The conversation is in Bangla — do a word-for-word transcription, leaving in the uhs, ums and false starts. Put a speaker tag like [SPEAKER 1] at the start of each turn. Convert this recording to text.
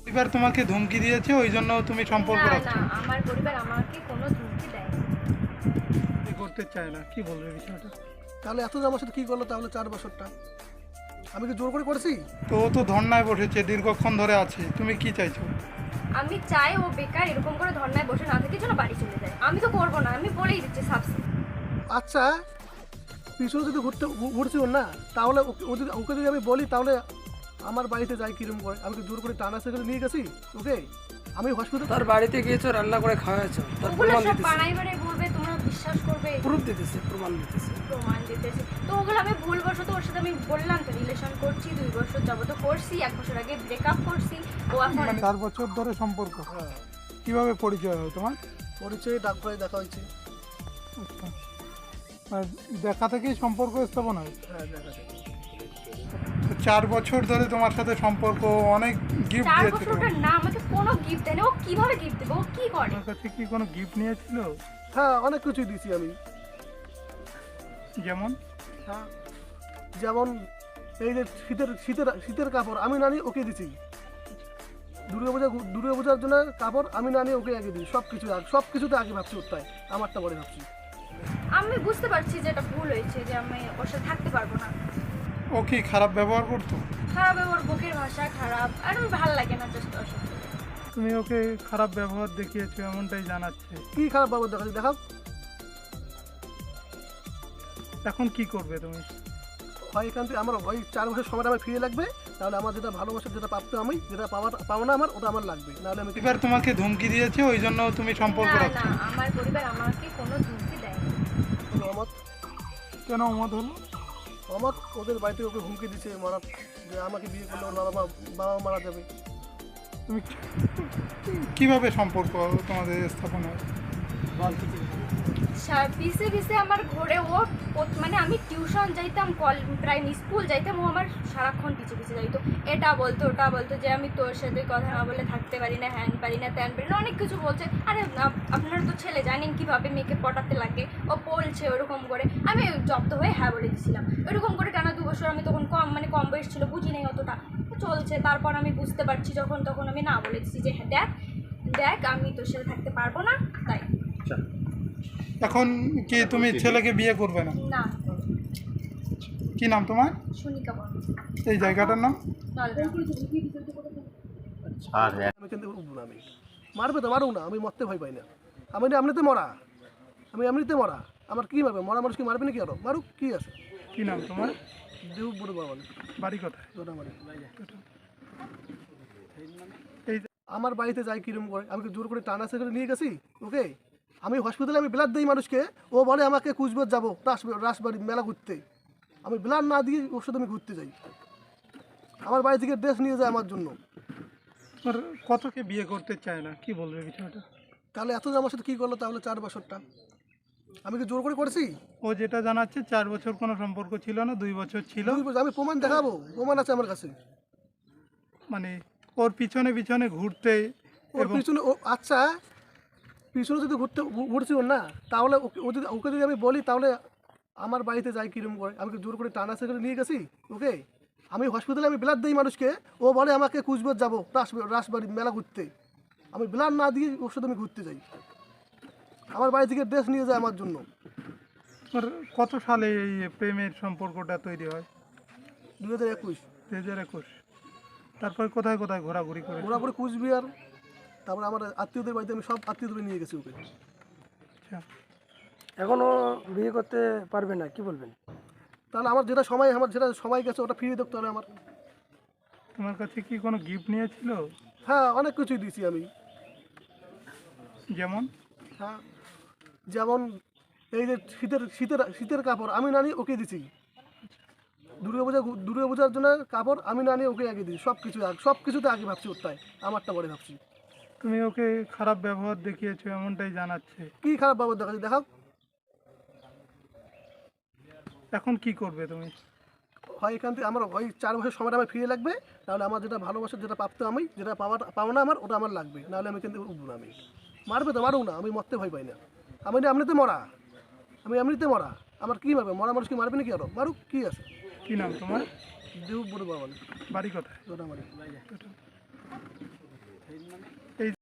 [SPEAKER 1] এবার তোমাকে ধমকি দিয়েছে ওই জন্য তুমি সম্পর্ক
[SPEAKER 2] না
[SPEAKER 1] রাখছো?
[SPEAKER 2] না আমার পরিবার আমাকে কোনো ধমকি দেয়নি।
[SPEAKER 1] কি করতে চায় না, কি বলবে বিষয়টা?
[SPEAKER 3] তাহলে এত আমার সাথে কী করলো তাহলে চার বছরটা? আমি কি জোর করে করেছি?
[SPEAKER 1] তো ও তো ধর্নায় বসেছে, দীর্ঘক্ষণ ধরে আছে, তুমি কি চাইছো?
[SPEAKER 2] আমি চাই ও বেকার এরকম করে ধর্নায় বসে না থেকে যেন বাড়ি চলে যায়। আমি তো করবো না, আমি বলেই দিচ্ছি সাবসে।
[SPEAKER 3] আচ্ছা, পিছনে যদি ঘুরতে ঘু- ঘুরছি ওর না, তাহলে ওকে ও যদি ওকে যদি আমি বলি তাহলে আমার বাড়িতে যাই কিরম করে? আমি কি জোর করে টানা সেখানে নিয়ে গেছি ওকে? আমি হসপিটাল
[SPEAKER 4] তার বাড়িতে গিয়েছো, রান্না করে খাওয়াইছো, তার
[SPEAKER 2] ওগুলো
[SPEAKER 4] প্রমাণ
[SPEAKER 2] সব
[SPEAKER 4] দিতেছে,
[SPEAKER 2] বানাই বানাই বলবে, তোমরা বিশ্বাস করবে?
[SPEAKER 4] প্রুফ দিতেছে, প্রমাণ দিতেছে।
[SPEAKER 2] প্রমাণ দিতেছে তো ওগুলো আমি ভুলবশত ওর সাথে আমি বললাম তো রিলেশন করছি, দুই বছর যাবত করছি, এক বছর আগে ব্রেকআপ করছি। ও এখন
[SPEAKER 1] মানে চার বছর ধরে সম্পর্ক।
[SPEAKER 3] হ্যাঁ,
[SPEAKER 1] কিভাবে পরিচয় হয় তোমার?
[SPEAKER 3] পরিচয়ে ডাক্তারে দেখা হয়েছে।
[SPEAKER 1] আচ্ছা, আর দেখা থেকেই সম্পর্ক স্থাপন হয়?
[SPEAKER 3] হ্যাঁ, দেখা যায়।
[SPEAKER 1] তো চার বছর ধরে তোমার সাথে সম্পর্ক, অনেক গিফট
[SPEAKER 2] চার
[SPEAKER 1] দিয়েছে
[SPEAKER 2] বছর
[SPEAKER 1] তোমাকে।
[SPEAKER 2] ওটার না আমাকে কোনো গিফট দেয়নি। ও কিভাবে গিফট দেবে? ও কি করে?
[SPEAKER 1] তোমার কাছে কি কোনো গিফট নিয়েছিল?
[SPEAKER 3] হ্যাঁ, অনেক কিছুই দিয়েছি আমি।
[SPEAKER 1] যেমন?
[SPEAKER 3] হ্যাঁ, যেমন এই যে শীতের শীতের শীতের কাপড় আমি না নিয়ে ওকে দিছি। দুর্গা পূজা দুর্গা পূজার জন্য কাপড় আমি না নিয়ে ওকে আগে দিই। সব কিছু সব কিছুতে আগে ভাবছি ওরটাই, আমারটা পরে ভাবছি।
[SPEAKER 2] আমি বুঝতে পারছি যে এটা ভুল হয়েছে, যে আমি ওর সাথে থাকতে পারবো না।
[SPEAKER 1] ও কি খারাপ ব্যবহার করতো?
[SPEAKER 2] খারাপ, ওর বুকের ভাষা খারাপ, আর আমার ভালো লাগে না জাস্ট ওর সাথে।
[SPEAKER 1] তুমি ওকে খারাপ ব্যবহার দেখিয়েছো এমনটাই জানাচ্ছে।
[SPEAKER 3] কি খারাপ বাবু দেখাচ্ছি দেখাও।
[SPEAKER 1] এখন কি করবে তুমি?
[SPEAKER 3] হয় এখান থেকে আমার ওই চার বছর সময়টা আমার ফিরে লাগবে, তাহলে আমার যেটা ভালোবাসার যেটা প্রাপ্ত আমি যেটা পাওয়ার পাবো না আমার ওটা আমার লাগবে, নাহলে আমি
[SPEAKER 1] এবার তোমাকে ধমকি দিয়েছে ওই জন্য তুমি সম্পর্ক
[SPEAKER 2] না না
[SPEAKER 1] রাখছো?
[SPEAKER 2] আমার পরিবার আমাকে কোনো ধমকি দেয়নি।
[SPEAKER 3] অমত
[SPEAKER 1] কেন অমত হলো?
[SPEAKER 3] অমত ওদের বাড়িতে ওকে হুমকি দিচ্ছে মারা, যে আমাকে বিয়ে করলে ওর বাবা মা বাবা মারা যাবে।
[SPEAKER 1] তুমি কি- কিভাবে সম্পর্ক তোমাদের স্থাপন হয়?
[SPEAKER 2] সা- পিছে পিছে আমার ঘরে ও ও- মানে আমি টিউশন যাইতাম, কল প্রাইম স্কুল যাইতাম, ও আমার সারাক্ষণ পিছে পিছে যাইতো। এটা বলতো ওটা বলতো যে আমি তোর সাথে কথা না বলে থাকতে পারি না, হ্যান পারি না, ত্যান পারি না, অনেক কিছু বলছে। আরে আপ- আপনারা তো ছেলে জানেন কিভাবে মেয়েকে পটাতে লাগে। ও বলছে ওরকম করে, আমি জব্দ হয়ে হ্যাঁ বলে দিছিলাম। ওরকম করে টানা দু বছর, আমি তখন কম মানে কম বয়স ছিল, বুঝি নাই অতটা চলছে। তারপর আমি বুঝতে পারছি যখন, তখন আমি না বলে দিচ্ছি যে হ্যাঁ দেখ দেখ আমি তোর সাথে থাকতে পারবো না, তাই।
[SPEAKER 1] এখন কি তুমি ছেলেকে বিয়ে করবে না?
[SPEAKER 2] না,
[SPEAKER 1] কি নাম তোমার?
[SPEAKER 2] শুনিকা বল
[SPEAKER 1] এই জায়গাটার নাম?
[SPEAKER 3] আমি কিন্তু উঠবো না, আমি মারবে তো মারুক না, আমি মরতে ভয় পাই না। আমি না এমনিতে মরা, আমি এমনিতে মরা, আমার কি মারবে? মরা মানুষ কি মারবে নাকি? আরো মারুক, কি আছে?
[SPEAKER 1] কি নাম তোমার?
[SPEAKER 3] দেব বড় বাবা
[SPEAKER 1] বাড়ি কোথায়?
[SPEAKER 3] ওটা মারি।
[SPEAKER 1] এই
[SPEAKER 3] আমার বাড়িতে যাই কিরম করে? আমি কি জোর করে টানা সেখানে নিয়ে গেছি ওকে? আমি হসপিটালে আমি ব্লাড দিই মানুষকে, ও বলে আমাকে কুচবিহার যাবো রাস রাসবাড়ি মেলা ঘুরতে। আমি ব্লাড না দিয়ে ওর সাথে আমি ঘুরতে যাই। আমার বাড়ি থেকে ড্রেস নিয়ে যায় আমার জন্য।
[SPEAKER 1] তোমার কতকে বিয়ে করতে চায় না, কি বলবে বিষয়টা?
[SPEAKER 3] তাহলে এত যে আমার সাথে কী করলো তাহলে চার বছরটা? আমি কি জোর করে করেছি?
[SPEAKER 1] ও যেটা জানাচ্ছে চার বছর কোনো সম্পর্ক ছিল না, দুই বছর ছিল।
[SPEAKER 3] দুই বছর- আমি প্রমাণ দেখাবো, প্রমাণ আছে আমার কাছে।
[SPEAKER 1] মানে ওর পিছনে পিছনে ঘুরতে
[SPEAKER 3] ওর
[SPEAKER 1] এবং
[SPEAKER 3] পিছনে ও আচ্ছা, পিছনে যদি ঘুরতে ঘু- ঘুরছি ওর না, তাহলে ওকে ও যদি ওকে যদি আমি বলি তাহলে আমার বাড়িতে যাই কিরম করে? আমি কি জোর করে টানা সেখানে নিয়ে গেছি ওকে? আমি হসপিটালে আমি ব্লাড দিই মানুষকে, ও বলে আমাকে কুচবিহার যাবো রাস রাসবাড়ি মেলা ঘুরতে। আমি ব্লাড না দিয়ে ওর সাথে আমি ঘুরতে যাই। আমার বাড়ি থেকে ড্রেস নিয়ে যায় আমার জন্য।
[SPEAKER 1] তোমার কত সালে এই প্রেমের সম্পর্কটা তৈরি হয়?
[SPEAKER 3] দু হাজার একুশ
[SPEAKER 1] দুই হাজার একুশ। তারপর কোথায় কোথায় ঘোরাঘুরি করে?
[SPEAKER 3] ঘোরাঘুরি কুচবিহার, তারপরে আমার আত্মীয়দের বাড়িতে আমি সব আত্মীয়দের নিয়ে গেছি ওকে।
[SPEAKER 1] আচ্ছা,
[SPEAKER 4] এখনো বিয়ে করতে পারবে না, কি বলবেন?
[SPEAKER 3] তাহলে আমার যেটা সময় আমার যেটা সময় গেছে ওটা ফিরিয়ে দেখতে হবে আমার।
[SPEAKER 1] তোমার কাছে কি কোনো গিফট নিয়েছিল?
[SPEAKER 3] হ্যাঁ, অনেক কিছুই দিয়েছি আমি।
[SPEAKER 1] যেমন?
[SPEAKER 3] হ্যাঁ, যেমন এই যে শীতের শীতের শীতের কাপড় আমি না নিয়ে ওকে দিছি। দুর্গা পূজা দুর্গা পূজার জন্য কাপড় আমি না নিয়ে ওকে আগে দিই। সব কিছু সব কিছুতে আগে ভাবছি ওরটাই, আমারটা পরে ভাবছি।
[SPEAKER 1] তুমি ওকে খারাপ ব্যবহার দেখিয়েছো এমনটাই জানাচ্ছে।
[SPEAKER 3] কি খারাপ বাবু দেখাচ্ছি দেখাও।
[SPEAKER 1] এখন কি করবে তুমি?
[SPEAKER 3] হয় এখান থেকে আমার ওই চার বছর সময়টা আমার ফিরে লাগবে, তাহলে আমার যেটা ভালোবাসার যেটা প্রাপ্ত আমি যেটা পাওয়ার পাবো না আমার ওটা আমার লাগবে, নাহলে আমি কিন্তু উঠবো না। আমি মারবে তো মারুক না, আমি মরতে ভয় পাই না। আমি না এমনিতে মরা, আমি এমনিতে মরা, আমার কি মারবে? মরা মানুষ কি মারবে নাকি? আরো মারুক, কি আছে?
[SPEAKER 1] কি নাম তোমার?
[SPEAKER 3] দেব বড় বাবা
[SPEAKER 1] বাড়ি কোথায়?
[SPEAKER 3] ওটা মারি।